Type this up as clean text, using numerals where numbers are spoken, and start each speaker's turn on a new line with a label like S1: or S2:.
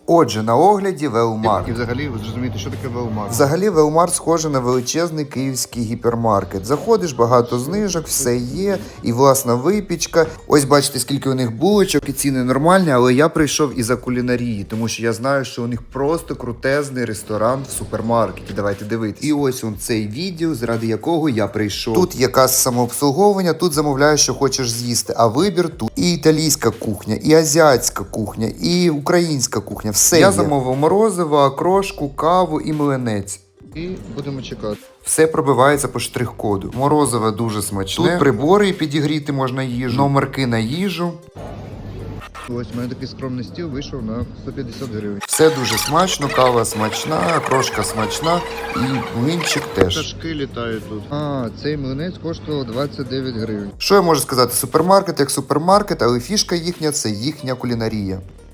S1: Отже, на огляді Велмарт.
S2: І взагалі, ви зрозумієте, що таке Велмарт?
S1: Взагалі, Велмарт схоже на величезний київський гіпермаркет. Заходиш, багато знижок, все є, і власна випічка. Ось бачите, скільки у них булочок, і ціни нормальні, але я прийшов із-за кулінарії, тому що я знаю, що у них просто крутезний ресторан в супермаркеті. Давайте дивитися. І ось он цей відділ, заради якого я прийшов. Тут якась самообслуговування, тут замовляєш, що хочеш з'їсти, а вибір тут і італійська кухня, і азіатська кухня, і українська кухня. Все я замовив морозиво, окрошку, каву і млинець.
S2: І будемо чекати.
S1: Все пробивається по штрих-коду. Морозиво дуже смачне. Тут прибори підігріти можна їжу, номерки на їжу.
S2: Ось у мене такий скромний стіл вийшов на 150 гривень.
S1: Все дуже смачно, кава смачна, крошка смачна і млинчик теж.
S2: Пташки літають тут. Цей млинець коштував 29 гривень.
S1: Що я можу сказати? Супермаркет як супермаркет, але фішка їхня – це їхня кулінарія.